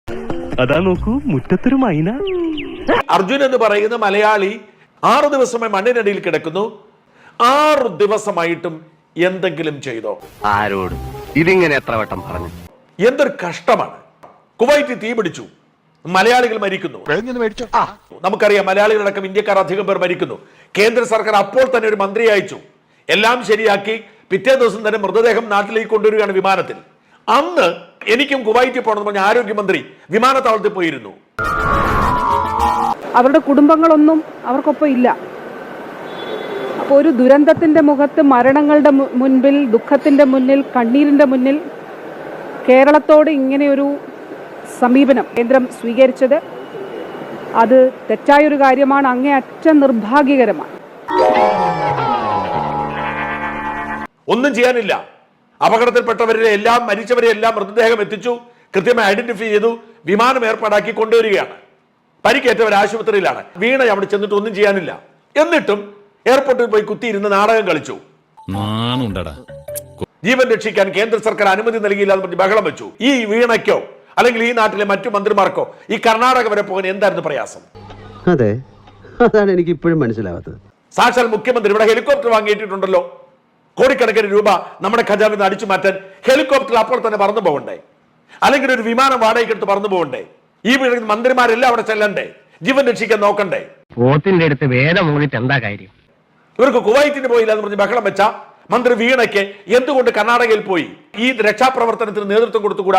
അതാ നോക്കൂ മുറ്റത്തൊരു മൈന. അർജുൻ എന്ന് പറയുന്ന മലയാളി 6 ദിവസമായി മണ്ണിനടിയിൽ കിടക്കുന്നു. 6 ദിവസമായിട്ടും എന്തെങ്കിലും ചെയ്തോ? ആരോട് ഇതിങ്ങനെ എത്ര വട്ടം പറഞ്ഞു? എന്തൊരു കഷ്ടമാണ്. കുവൈറ്റ് തീ പിടിച്ചു, മലയാളികൾ മരിക്കുന്നു. നമുക്കറിയാം, മലയാളികളടക്കം ഇന്ത്യക്കാർ അധികം പേർ മരിക്കുന്നു. കേന്ദ്ര സർക്കാർ അപ്പോൾ തന്നെ ഒരു മന്ത്രി അയച്ചു, എല്ലാം ശരിയാക്കി പിറ്റേ ദിവസം തന്നെ മൃതദേഹം നാട്ടിലേക്ക് കൊണ്ടുവരികയാണ് വിമാനത്തിൽ. അന്ന് എനിക്കും കുവൈറ്റിൽ പോകണമെന്ന് പറഞ്ഞ ആരോഗ്യമന്ത്രി വിമാനത്താവളത്തിൽ പോയിരുന്നു. അവരുടെ കുടുംബങ്ങളൊന്നും അവർക്കൊപ്പം ഇല്ല. അപ്പോൾ ഒരു ദുരന്തത്തിന്റെ മുഖത്ത്, മരണങ്ങളുടെ മുൻപിൽ, ദുഃഖത്തിന്റെ മുന്നിൽ, കണ്ണീരിന്റെ മുന്നിൽ കേരളത്തോട് ഇങ്ങനെയൊരു സമീപനം കേന്ദ്രം സ്വീകരിച്ചത് അത് തെറ്റായൊരു കാര്യമാണ്, അങ്ങേയറ്റം നിർഭാഗ്യകരമാണ്. ഒന്നും ചെയ്യാനില്ല. അപകടത്തിൽപ്പെട്ടവരെ എല്ലാം, മരിച്ചവരെ എല്ലാം മൃതദേഹം എത്തിച്ചു, കൃത്യമായി ഐഡന്റിഫൈ ചെയ്തു, വിമാനം ഏർപ്പാടാക്കി കൊണ്ടുവരികയാണ്. പരിക്കേറ്റവർ ആശുപത്രിയിലാണ്. വീണ അവിടെ ചെന്നിട്ട് ഒന്നും ചെയ്യാനില്ല. എന്നിട്ടും എയർപോർട്ടിൽ പോയി കുത്തിയിരുന്ന് നാടകം കളിച്ചു. ജീവൻ രക്ഷിക്കാൻ കേന്ദ്ര സർക്കാർ അനുമതി നൽകിയില്ല എന്ന് പറഞ്ഞ് ബഹളം വെച്ചു. ഈ വീണയ്ക്കോ അല്ലെങ്കിൽ ഈ നാട്ടിലെ മറ്റു മന്ത്രിമാർക്കോ ഈ കർണാടക വരെ പോകാൻ എന്തായിരുന്നു പ്രയാസം? അതെ, അതാണ് എനിക്ക് ഇപ്പോഴും മനസ്സിലാവാത്തത്. സാക്ഷാൽ മുഖ്യമന്ത്രി ഇവിടെ ഹെലികോപ്റ്റർ വാങ്ങിയിട്ടുണ്ടല്ലോ. കോടിക്കണക്കിന് രൂപ നമ്മുടെ ഖജാവിൽ നിന്ന് അടിച്ചു മാറ്റാൻ ഹെലികോപ്റ്റർ അപ്പോൾ തന്നെ പറന്നു പോകണ്ടേ? അല്ലെങ്കിൽ ഒരു വിമാനം വാടകയ്ക്കെടുത്ത് പറന്നു പോകണ്ടേ? ഈ മന്ത്രിമാരെല്ലാം അവിടെ ചെല്ലണ്ടേ? ജീവൻ രക്ഷിക്കാൻ നോക്കണ്ടേ? പോത്തിന്റെ അടുത്ത് വേദം മൂടിയിട്ട് എന്താ കാര്യം? ഇവർക്ക് കുവൈറ്റിന് പോയില്ല എന്ന് പറഞ്ഞ് ബഹളം വെച്ച മന്ത്രി വീണയ്ക്ക് എന്തുകൊണ്ട് കർണാടകയിൽ പോയി ഈ രക്ഷാപ്രവർത്തനത്തിന് നേതൃത്വം കൊടുത്തുകൂടാ?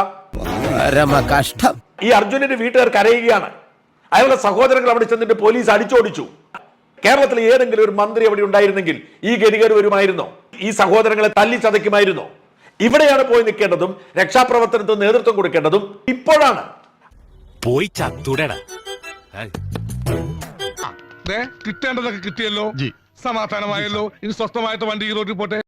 ഈ അർജുനന്റെ വീട്ടുകാർ കരയുകയാണ്. അയാളുടെ സഹോദരങ്ങൾ അവിടെ ചെന്നിട്ട് പോലീസ് അടിച്ചോടിച്ചു. കേരളത്തിൽ ഏതെങ്കിലും ഒരു മന്ത്രി അവിടെ ഉണ്ടായിരുന്നെങ്കിൽ ഈ ഗതികേട് വരുമായിരുന്നോ? ഈ സഹോദരങ്ങളെ തല്ലി ചതയ്ക്കുമായിരുന്നോ? ഇവിടെയാണ് പോയി നിൽക്കേണ്ടതും രക്ഷാപ്രവർത്തനത്തിന് നേതൃത്വം കൊടുക്കേണ്ടതും ഇപ്പോഴാണ്. പോയി ചത്തുടടാ. കിട്ടേണ്ടതൊക്കെ കിട്ടിയല്ലോ, സമാധാനമായല്ലോ. ഇനി സ്വസ്ഥമായിട്ട് വണ്ടി ഈ റോഡിൽ പോട്ടെ.